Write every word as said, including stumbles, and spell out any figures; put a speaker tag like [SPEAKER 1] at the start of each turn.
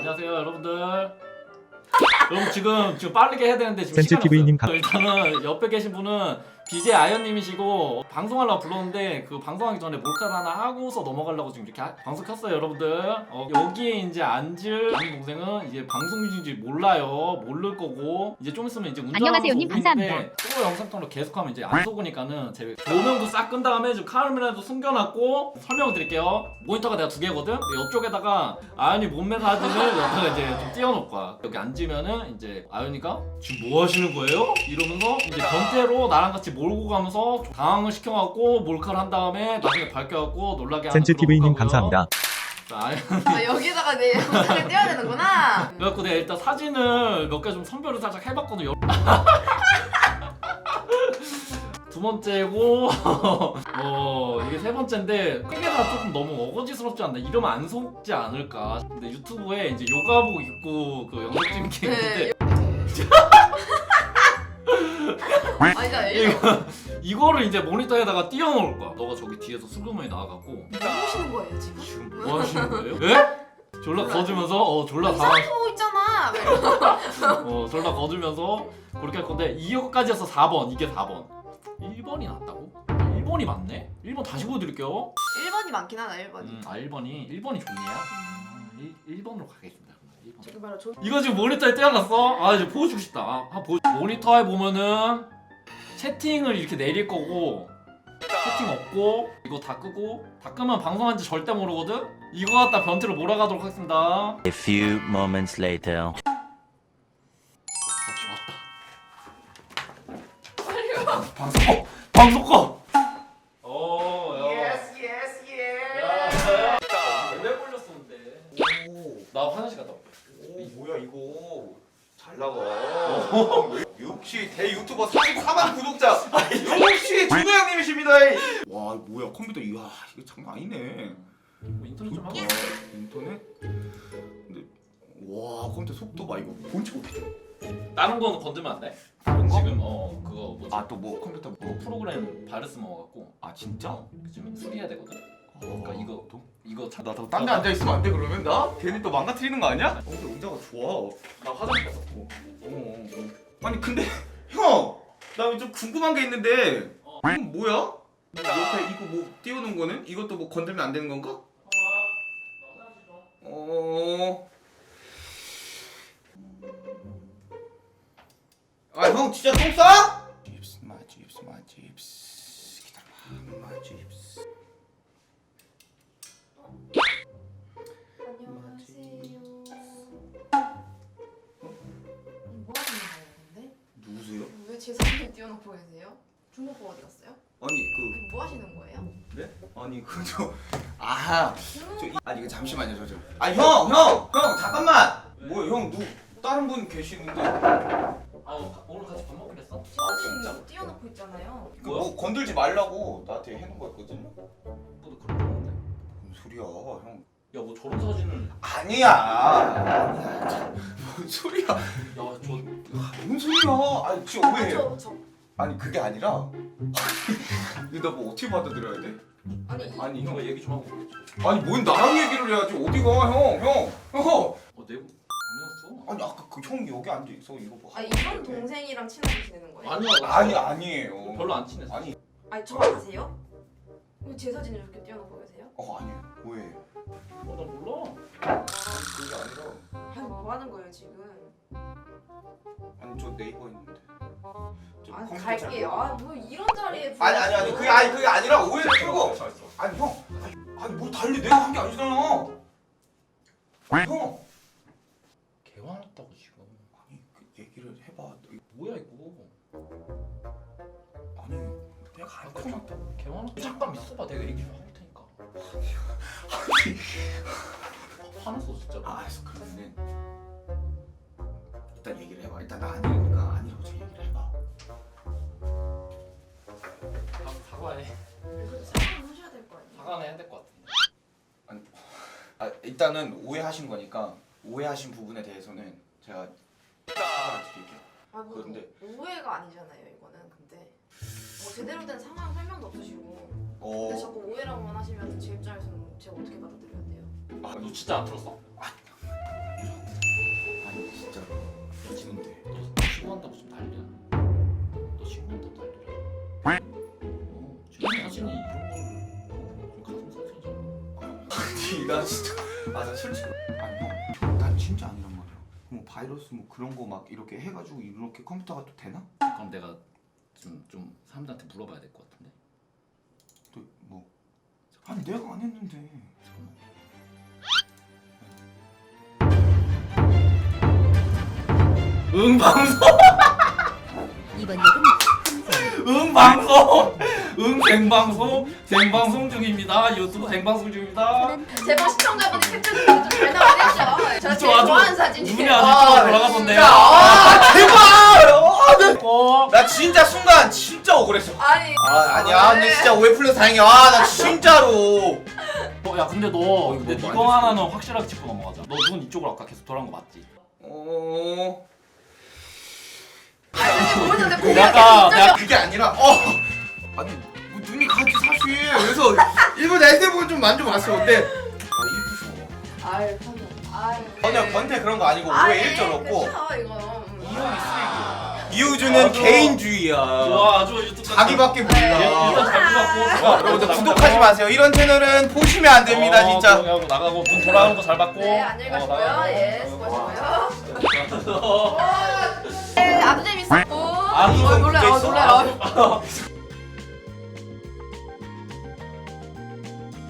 [SPEAKER 1] 안녕하세요 여러분들. 여러분 지금 지금 빠르게 해야 되는데 지금
[SPEAKER 2] 센스
[SPEAKER 1] 시간이
[SPEAKER 2] 티비님
[SPEAKER 1] 없어요. 일단은 옆에 계신 분은 비제이 아이언님이시고 방송하려고 불렀는데 그 방송하기 전에 몰카를 하나 하고서 넘어가려고 지금 이렇게 하, 방송 켰어요 여러분들. 어, 여기에 이제 앉을 다른 동생은 이제 방송 중인지 몰라요. 모를 거고 이제 좀 있으면 이제 운전하면서
[SPEAKER 3] 안녕하세요, 님.
[SPEAKER 1] 오고 있는데
[SPEAKER 3] 감사합니다.
[SPEAKER 1] 또 영상통으로 계속하면 이제 안 속으니까는 제 조명도 싹 끈 다음에 지금 카메라도 숨겨놨고 설명을 드릴게요. 모니터가 내가 두 개거든. 근데 이쪽에다가 아연이 몸매 사진을 여기다가 이제 좀 띄워놓을 거야. 여기 앉으면은 이제 아연이가 지금 뭐 하시는 거예요? 이러면서 이제 변태로 나랑 같이 몰고 가면서 당황을 시켜갖고 몰카를 한 다음에 나중에 밝혀갖고 놀라게 하는
[SPEAKER 2] 센스
[SPEAKER 1] 그런
[SPEAKER 2] 티비님
[SPEAKER 1] 거고요.
[SPEAKER 2] 감사합니다.
[SPEAKER 1] 자, 아연
[SPEAKER 4] 아, 여기다가 내 영상을 떼야 되는구나.
[SPEAKER 1] 그래갖고 내가 일단 사진을 몇 개 좀 선별을 살짝 해봤거든요. 두 번째고 어 이게 세 번째인데 크게가 조금 너무 어거지스럽지 않나? 이러면 안 속지 않을까? 근데 유튜브에 이제 요가복 입고 그 영상 찍는 게 있는데
[SPEAKER 4] 아니다, 이거
[SPEAKER 1] 이거를 이제 모니터에다가 띄워놓을 거야. 너가 저기 뒤에서 슬로모에 나와갖고
[SPEAKER 4] 뭐 하시는 거예요 지금?
[SPEAKER 1] 지금 뭐 하시는 거예요? 예? 졸라 거주면서 어 졸라 당황
[SPEAKER 4] 이상하게 보고 있잖아. 막 이러고.
[SPEAKER 1] 어 졸라 거주면서 그렇게 할 건데 이거까지 해서 사 번 이게 사 번 일 번이 낫다고? 일 번이 맞네? 일 번 다시 보여드릴게요.
[SPEAKER 4] 일 번이 많긴 하다. 일 번이.
[SPEAKER 1] 음, 아 일 번이 일 번이 좋네요. 음, 일 번으로 가겠습니다. 일 번.
[SPEAKER 4] 저기 바로 조...
[SPEAKER 1] 이거 지금 모니터에 떼어놨어? 아 이제 보여주고 싶다. 아, 한 보... 모니터에 보면은 채팅을 이렇게 내릴 거고 채팅 없고 이거 다 끄고 다 끄면 방송한지 절대 모르거든? 이거 갖다 변태로 몰아가도록 하겠습니다.
[SPEAKER 5] A few moments later.
[SPEAKER 1] 방송 꺼! 방송 꺼! 어, 야.
[SPEAKER 4] 예스 예스 예.
[SPEAKER 1] 야, 오래 걸렸었는데.
[SPEAKER 6] 오,
[SPEAKER 1] 나 화장실 갔다 올게.
[SPEAKER 6] 오 뭐야 이거 잘 나가. 역시 대유튜버 사십사만 구독자 역시 준호 형님이십니다. 와 뭐야 컴퓨터 이야 이거 장난 아니네.
[SPEAKER 1] 뭐 인터넷 좀 하고.
[SPEAKER 6] 좋다. 인터넷? 근데 와 컴퓨터 속도 봐 이거 본체 어떻게?
[SPEAKER 1] 다른 거는 건들면 안 돼?
[SPEAKER 6] 다른 거?
[SPEAKER 1] 지금 어 그거 뭐지?
[SPEAKER 6] 아또 뭐 컴퓨터
[SPEAKER 1] 그
[SPEAKER 6] 뭐?
[SPEAKER 1] 프로그램 바이러스 먹어갖고
[SPEAKER 6] 아 진짜?
[SPEAKER 1] 어, 지금 수리해야 되거든. 그러니까 이거 이거 참.
[SPEAKER 6] 나딴데 앉아 있으면 안 돼 그러면 나? 괜히 또 망가뜨리는 거 아니야? 어 근데 의자가 좋아.
[SPEAKER 1] 나 화장실 갔어.
[SPEAKER 6] 어, 어, 어. 아니 근데 형! 나 좀 궁금한 게 있는데
[SPEAKER 1] 어.
[SPEAKER 6] 이건 뭐야? 옆에 이거 뭐 띄우는 거는? 이것도 뭐 건들면 안 되는 건가? 어... 아 형 진짜 똥 싸? 칩스 마 칩스 마 칩스 기다려봐 마 칩스
[SPEAKER 4] 안녕하세요. 뭐 하시는 거예요, 근데?
[SPEAKER 6] 누구세요?
[SPEAKER 4] 왜 제 사진을 띄워놓고 계세요? 준호가 어디 갔어요?
[SPEAKER 6] 아니 그
[SPEAKER 4] 뭐 하시는 거예요?
[SPEAKER 6] 네? 아니 그저 아
[SPEAKER 4] 준호
[SPEAKER 6] 저, 이- 아니 이거 잠시만요 저 저. 아니 형! 형! 형 잠깐만! 뭐야 형 누 다른 분 계시는데
[SPEAKER 1] 아 오늘 같이 밥 먹기로 했어?
[SPEAKER 4] 제 사진 띄워놓고 있잖아요.
[SPEAKER 6] 그 뭐 건들지 말라고 나한테 해놓은 거였거든요?
[SPEAKER 1] 너도 그런 거 없는데?
[SPEAKER 6] 뭔 소리야 형
[SPEAKER 1] 야뭐 저런 사진을
[SPEAKER 6] 아니야 아니야 참, 뭔 소리야
[SPEAKER 1] 야저
[SPEAKER 6] 뭔 소리야 아니 진짜 오해해
[SPEAKER 4] 저, 저.
[SPEAKER 6] 아니 그게 아니라 이거 나 뭐 어떻게 받아들여야 돼?
[SPEAKER 4] 아니 이-
[SPEAKER 6] 아니
[SPEAKER 1] 이거
[SPEAKER 6] 형
[SPEAKER 1] 얘기 좀 하고 그러지.
[SPEAKER 6] 아니 뭔 나랑 얘기를 해야지 어디가 형 형! 형!
[SPEAKER 1] 어 내부 아니었어.
[SPEAKER 6] 아니 아까 그 형이 여기 앉아있어 이거 뭐
[SPEAKER 4] 아 이런 동생이랑 친하게 지내는 거예요?
[SPEAKER 1] 아니야.
[SPEAKER 6] 아니 아니에요
[SPEAKER 1] 별로 안 친했어.
[SPEAKER 6] 아니
[SPEAKER 4] 아니 저 아세요? 왜 제 사진을 이렇게 띄워놓고 계세요?
[SPEAKER 6] 어 아니에요 오해해요
[SPEAKER 1] 어나 몰라.
[SPEAKER 6] 아니 그게 아니라
[SPEAKER 4] 아니 뭐 하는 거예요 지금?
[SPEAKER 6] 아니 저 네이버 있는데 저
[SPEAKER 4] 아
[SPEAKER 6] 컴퓨터 잘
[SPEAKER 4] 갈게요.
[SPEAKER 6] 몰라.
[SPEAKER 4] 아 뭐 이런 자리에
[SPEAKER 6] 아니 아니 아니 그게 아니 그게 아니라 오해를
[SPEAKER 1] 어,
[SPEAKER 6] 풀고 아니 형 아니, 아니 뭘 달리 내가 한 게 아니잖아 아니, 형
[SPEAKER 1] 개 화났다고 지금.
[SPEAKER 6] 아니 그 얘기를 해봐
[SPEAKER 1] 뭐야 이거.
[SPEAKER 6] 아니 내가 안
[SPEAKER 1] 개
[SPEAKER 6] 화났다고
[SPEAKER 1] 개 화났다. 잠깐 있어봐. 내가 얘기 좀 해볼 테니까. 화났어 진짜.
[SPEAKER 6] 아 알았어 그러면은 일단 얘기를 해봐 일단 나 아니니까 아니라고 저 얘기를 해봐
[SPEAKER 1] 사- 사과해.
[SPEAKER 4] 그래도 사과는 하셔야 될 거 아니에요?
[SPEAKER 1] 사과는 해야 될 것 같은데.
[SPEAKER 6] 아 일단은 오해하신 거니까 오해하신 부분에 대해서는 제가 사과를 드릴게요
[SPEAKER 4] 아뭐
[SPEAKER 6] 그런데-
[SPEAKER 4] 오해가 아니잖아요 이거는. 근데 뭐 제대로 된 상황 설명도 없으시고
[SPEAKER 6] 어...
[SPEAKER 4] 근데 자꾸 오해라고만 하시면 제 입장에서는 제가 어떻게 받아들여야 돼요?
[SPEAKER 6] 아,
[SPEAKER 1] 너 진짜 안 들었어?
[SPEAKER 6] 아니라고 아니 형, 난 진짜 아니란 말이야. 뭐 바이러스 뭐 그런 거 막 이렇게 해가지고 이렇게 컴퓨터가 또 되나?
[SPEAKER 1] 그럼 내가 좀, 좀 사람들한테 물어봐야 될 것 같은데.
[SPEAKER 6] 또 뭐? 아니 내가 안 했는데.
[SPEAKER 1] 잠깐만. 응 방송.
[SPEAKER 2] 이번 역은
[SPEAKER 1] 응 방송. 응 생방송. 생방송 중입니다. 유튜브 생방송 중입니다.
[SPEAKER 4] 제발 시청자분이 캡처해서 좀잘 나와주시죠. 제가 제일
[SPEAKER 1] 아주
[SPEAKER 4] 좋아하는 사진이에요.
[SPEAKER 1] 눈이 아주 이쪽으로 돌아가던데요.
[SPEAKER 6] 아 제발! 아, 나,
[SPEAKER 1] 어.
[SPEAKER 6] 나 진짜 순간 진짜 억울했어.
[SPEAKER 4] 아니.
[SPEAKER 6] 아 아니야 근데 진짜 오해 풀려서 다행이야. 아 나 진짜로.
[SPEAKER 1] 어, 야 근데 너
[SPEAKER 6] 어,
[SPEAKER 1] 근데
[SPEAKER 6] 이거
[SPEAKER 1] 이거
[SPEAKER 6] 뭐 안
[SPEAKER 1] 하나는 확실하게 짚고 넘어가자. 너 눈 이쪽으로 아까 계속 돌아간 거 맞지?
[SPEAKER 6] 어.
[SPEAKER 4] 아니 보는데 고개가
[SPEAKER 1] 약간
[SPEAKER 4] 계속
[SPEAKER 1] 내가
[SPEAKER 6] 그게 아니라 어 아니 뭐 눈이 같이 사실 그래서 일본 날씨 보고 좀 만져 봤어. 근데 아 이쁘셔.
[SPEAKER 4] 아유 선우. 아유.
[SPEAKER 6] 전혀 변태 그런 거 아니고
[SPEAKER 4] 아니,
[SPEAKER 6] 오해 일절없고
[SPEAKER 4] 그쵸 이거. 음.
[SPEAKER 6] 이형이 쓰레기야. 이우주는
[SPEAKER 1] 아주-
[SPEAKER 6] 개인주의야.
[SPEAKER 1] 와 아주 유튜브
[SPEAKER 6] 자기밖에
[SPEAKER 1] 일단
[SPEAKER 6] 몰라.
[SPEAKER 1] 잘 뽑았고.
[SPEAKER 6] 자, 여러분들 구독하지 마세요. 이런 채널은 보시면 안 됩니다
[SPEAKER 1] 어,
[SPEAKER 6] 진짜.
[SPEAKER 1] 하고 나가고 눈 돌아가는 거 잘 받고.
[SPEAKER 4] 네 안녕히
[SPEAKER 1] 어,
[SPEAKER 4] 가시고요.
[SPEAKER 1] 나가고.
[SPEAKER 4] 예 수고하시고요. 네, 아주 재밌었고.
[SPEAKER 1] 아주
[SPEAKER 4] 어, 놀래라 어,
[SPEAKER 6] 재밌어.
[SPEAKER 4] 놀래라.